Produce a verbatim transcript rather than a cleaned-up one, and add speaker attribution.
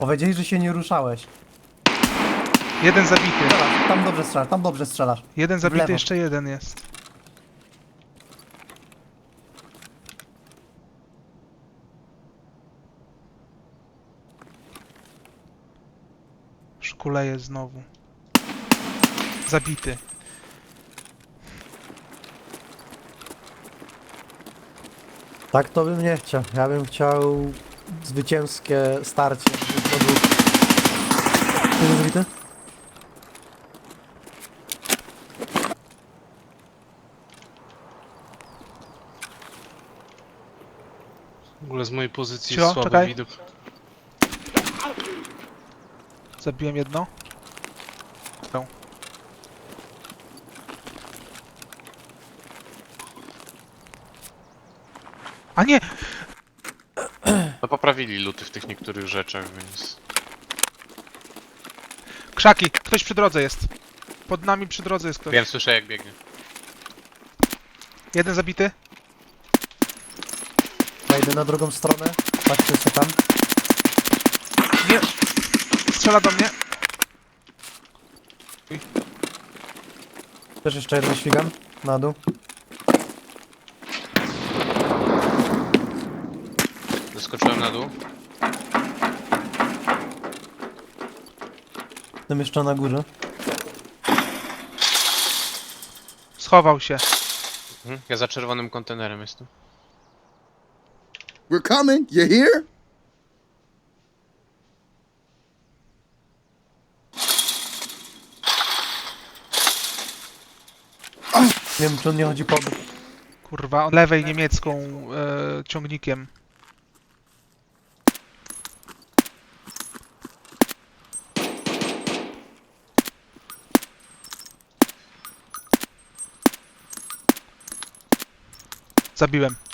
Speaker 1: Powiedzieli, że się nie ruszałeś.
Speaker 2: Jeden zabity.
Speaker 1: Strzelasz, tam dobrze strzelasz, tam dobrze strzelasz.
Speaker 2: Jeden
Speaker 1: W
Speaker 2: zabity,
Speaker 1: lewo.
Speaker 2: jeszcze jeden jest. Szkuleje znowu. Zabity.
Speaker 1: Tak to bym nie chciał. Ja bym chciał zwycięskie starcie. Ty nie zabity?
Speaker 3: W ogóle z mojej pozycji
Speaker 2: Cio,
Speaker 3: jest słaby
Speaker 2: czekaj.
Speaker 3: widok.
Speaker 2: Zabiłem jedno. No. A nie!
Speaker 3: No poprawili luty w tych niektórych rzeczach, więc...
Speaker 2: Krzaki! Ktoś przy drodze jest. Pod nami przy drodze jest ktoś.
Speaker 3: Wiem, słyszę jak biegnie.
Speaker 2: Jeden zabity.
Speaker 1: Ja idę na drugą stronę. Patrzcie się tam.
Speaker 2: Nie! Strzela do mnie.
Speaker 1: Też jeszcze jeden śmigam. Na dół.
Speaker 3: Zeskoczyłem na dół.
Speaker 1: Tym jeszcze na górze.
Speaker 2: Schował się.
Speaker 3: Mhm. Ja za czerwonym kontenerem jestem.
Speaker 4: We're coming. You hear?
Speaker 1: Nie wiem, czy on nie chodzi po...
Speaker 2: Kurwa, od lewej niemiecką e, ciągnikiem. Zabiłem.